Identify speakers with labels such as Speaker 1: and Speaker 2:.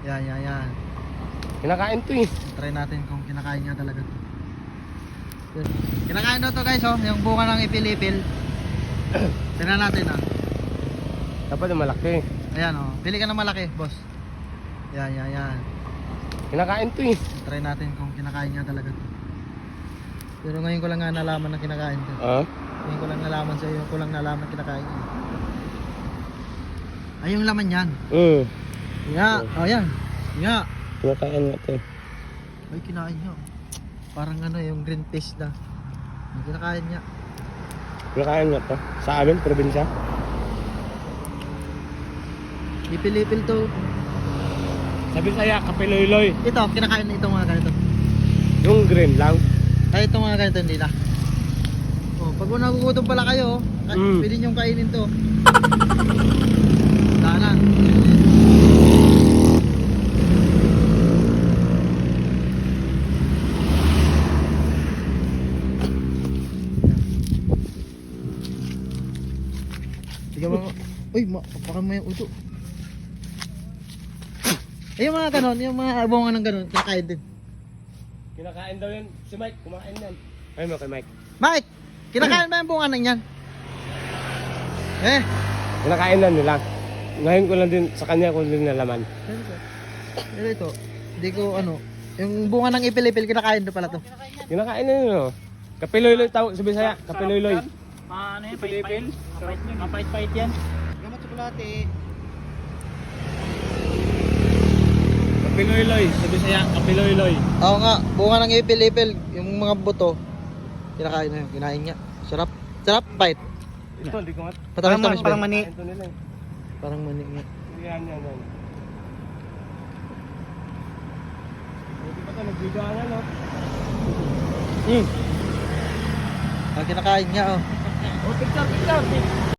Speaker 1: Yan, yan, yan.
Speaker 2: Kinakain to eh.
Speaker 1: Try natin kung kinakain niya talaga to. Yun. Kinakain daw to guys, oh, yung bunga ng ipil-ipil. Tignan natin ah.
Speaker 2: Dapat yung malaki.
Speaker 1: Ayan oh, pili ka ng malaki, boss. Yan, yan, yan.
Speaker 2: Kinakain to eh.
Speaker 1: Try natin kung kinakain niya talaga to. Pero ngayon ko lang nga nalaman na kinakain to. Ngayon ko lang nalaman sa iyo, ko lang nalaman kinakain niya. Ay, yung laman yan. Ya, oh yan. Ya.
Speaker 2: Kinakain nga to eh.
Speaker 1: Ay, kinain niya. Parang ano, yung green fish na. Yung kinakain niya.
Speaker 2: Kinakain nga to. Sa amin, probinsya.
Speaker 1: Ipil-ipil to.
Speaker 2: Sabi saya, kapiloy-loy.
Speaker 1: Ito, kinakain na itong mga ganito.
Speaker 2: Yung green lang.
Speaker 1: Ay, itong mga ganito hindi na. Oh, pag nagugutom pala kayo, pwede niyong kainin to. Sana. Tignan mo. Uy, parang may uto. Ay, yung mga ganon, yung mga bunga ng ganon, kinakain din.
Speaker 2: Kinakain daw yun. Si Mike, kumain yan. Ay mo kay Mike.
Speaker 1: Mike, kinakain ba yung bunga ng yan? Eh?
Speaker 2: Kinakain na nila. Ngayon ko lang din sa kanya ko din nalaman.
Speaker 1: Pero ito, hindi ko ano, yung bunga ng ipil-ipil, kinakain na pala to.
Speaker 2: Kinakain na yun oh. Kapiloy-loy tawag sa Bisaya. Kapiloy-loy.
Speaker 3: Ano yan? Pait-pait? Mapait-pait yan.
Speaker 1: Gamat tsokolate.
Speaker 2: Kapiloy-loy sa Bisaya. Kapiloy-loy.
Speaker 1: Oo nga, bunga ng ipil-ipil, yung mga buto, kinakain na yun, kinain niya. Sarap, sarap, bite.
Speaker 2: Ito, hindi ko nga.
Speaker 1: Patamis-tamis ba?
Speaker 3: Parang mani.
Speaker 2: Ito nila eh.
Speaker 1: Parang mani nga.
Speaker 2: Yan, yan, yan. Hindi pa ito, nagbigaan no?
Speaker 1: Kinakain niya oh.
Speaker 3: Oh, picture.